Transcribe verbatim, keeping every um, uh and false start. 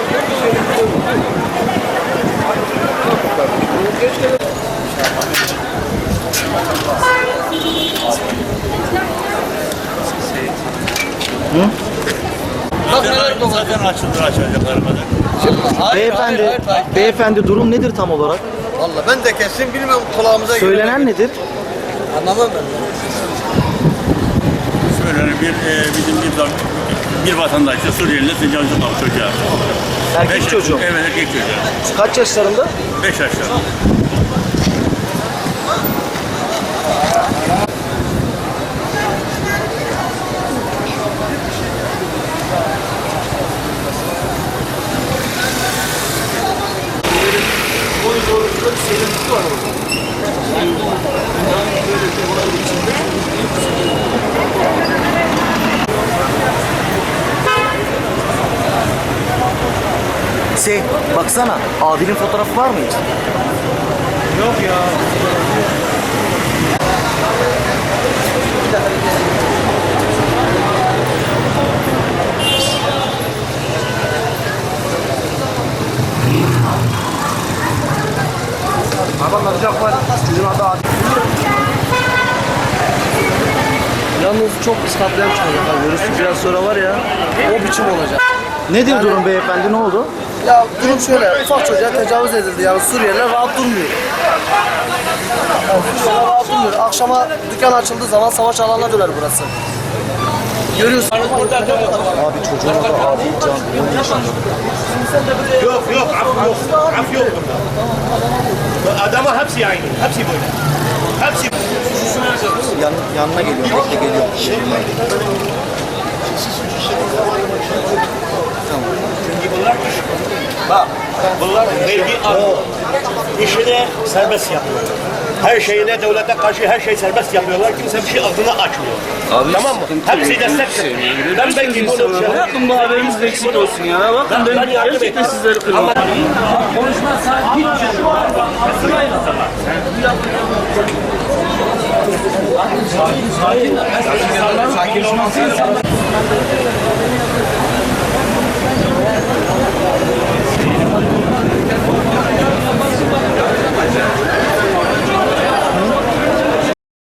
Hı? Zaten açıldı açacaklar kadar. Beyefendi, hayır, hayır, hayır. beyefendi durum nedir tam olarak? Vallahi ben de kesin bilmem kulağımıza Söylenen nedir? Anlamam ben. Söylenen bir e, bizim bir, bir vatandaşta Suriyeli'de tecavüz olan çocuğa. Erkek Beş, çocuğu. Evet erkek çocuğa. Kaç yaşlarında? Beş yaşlarında. Şey, baksana, abinin fotoğrafı var mı hiç? Yok ya. Adam alacak var. Bizim adı Adil. Yalnız çok iskatlayan çıkacak. Görürsün biraz sonra var ya. O biçim olacak. Nedir Yani- durum beyefendi, ne oldu? Ya durum şöyle, ufak çocuğa tecavüz edildi. Yani Suriyeliler rahat durmuyor. Yani Suriyeliler rahat durmuyor. Akşama dükkan açıldığı zaman savaş alanına döner burası. Görüyorsun. Abi çocuğun adı Adil Can, on yaşında. Yok yok af yok. Af yok burada. Adama hepsi aynı. Hepsi böyle. Hepsi. Yan, yanına geliyor, bekle geliyor. Bak bunlar vergi alıyor. İşini serbest yapıyor. Her şeyine devlete karşı her şey serbest yapıyorlar. Kimse bir şey ağzını açmıyor. Abi Tamam mı? Hepsi destek. Ben ben gibi olur. Bakın bu haberiniz de eksik olsun ya. Bakın ben, Ben yardım gerçekten ettim. sizleri kırmam.